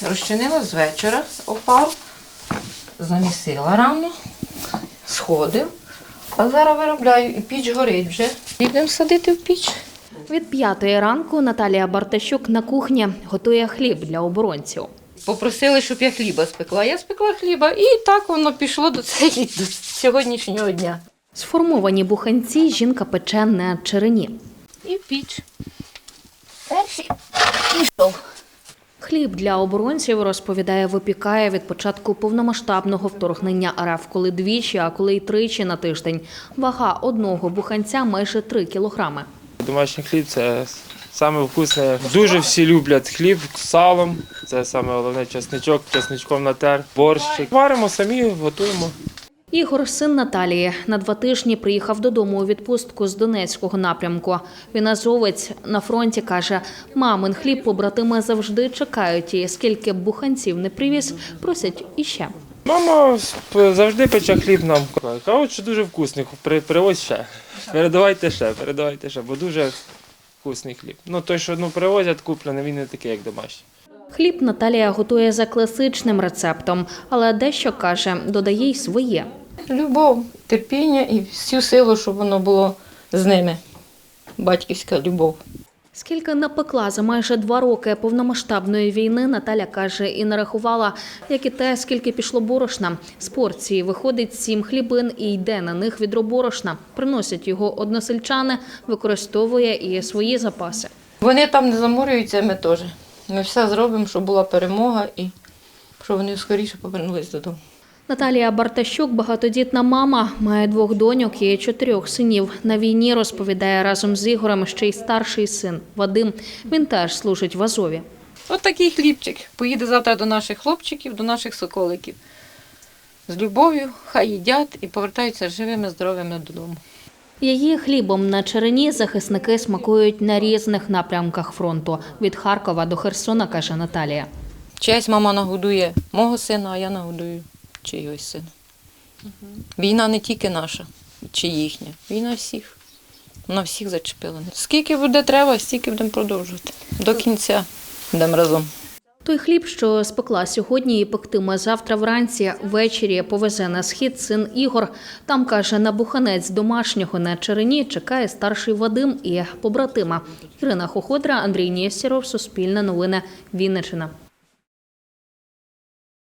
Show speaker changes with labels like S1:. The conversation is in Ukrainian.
S1: Розчинила з вечора опару, замісила рано, сходив. А зараз виробляю, і піч горить вже. Йдемо садити в піч.
S2: Від 5-ї ранку Наталія Бартащук на кухні готує хліб для оборонців.
S1: Попросили, щоб я хліба спекла. Я спекла хліба і так воно пішло до сьогоднішнього дня.
S2: Сформовані буханці жінка пече на черені.
S1: І в піч. Перший пішов.
S2: Хліб для оборонців, розповідає, випікає від початку повномасштабного вторгнення РФ, коли двічі, а коли й тричі на тиждень. Вага одного буханця майже 3 кілограми.
S3: Домашній хліб – це саме вкусне. Дуже всі люблять хліб з салом. Це саме головне чесничок, чесничком натер, борщик. Варимо самі, готуємо.
S2: Ігор, син Наталії, на 2 тижні приїхав додому у відпустку з Донецького напрямку. Він азовець, на фронті, каже, мамин хліб побратими завжди чекають і скільки б буханців не привіз, просять іще.
S3: Мама завжди пече хліб нам. Кажуть, що дуже вкусний, привозь ще. Передавайте ще, бо дуже вкусний хліб. Ну, той, що привозять куплений, він не такий, як домашній.
S2: Хліб Наталія готує за класичним рецептом, але дещо, каже, додає й своє.
S1: Любов, терпіння і всю силу, щоб воно було з ними. Батьківська любов.
S2: Скільки напекла за майже 2 роки повномасштабної війни, Наталя каже, і нарахувала, як і те, скільки пішло борошна. З порції виходить 7 хлібин і йде на них відро борошна. Приносять його односельчани, використовує і свої запаси.
S1: Вони там не заморюються, ми теж. Ми все зробимо, щоб була перемога і щоб вони скоріше повернулись додому.
S2: Наталія Бартащук – багатодітна мама, має 2 доньок і 4 синів. На війні, розповідає, разом з Ігорем ще й старший син Вадим. Він теж служить в Азові.
S1: От такий хлібчик. Поїде завтра до наших хлопчиків, до наших соколиків. З любов'ю, хай їдять і повертаються живими, здоровими додому.
S2: Її хлібом на черені захисники смакують на різних напрямках фронту. Від Харкова до Херсона, каже Наталія.
S1: Чиясь мама нагодує мого сина, а я нагодую чийось сина. Війна не тільки наша, чи їхня. Війна всіх. Вона всіх зачепила. Скільки буде треба, стільки будемо продовжувати. До кінця будемо разом.
S2: Той хліб, що спекла сьогодні і пектиме завтра вранці, ввечері повезе на схід син Ігор. Там, каже, на буханець домашнього на черені чекає старший Вадим і побратима. Ірина Хоходра, Андрій Нєстєров, Суспільне новини, Вінниччина.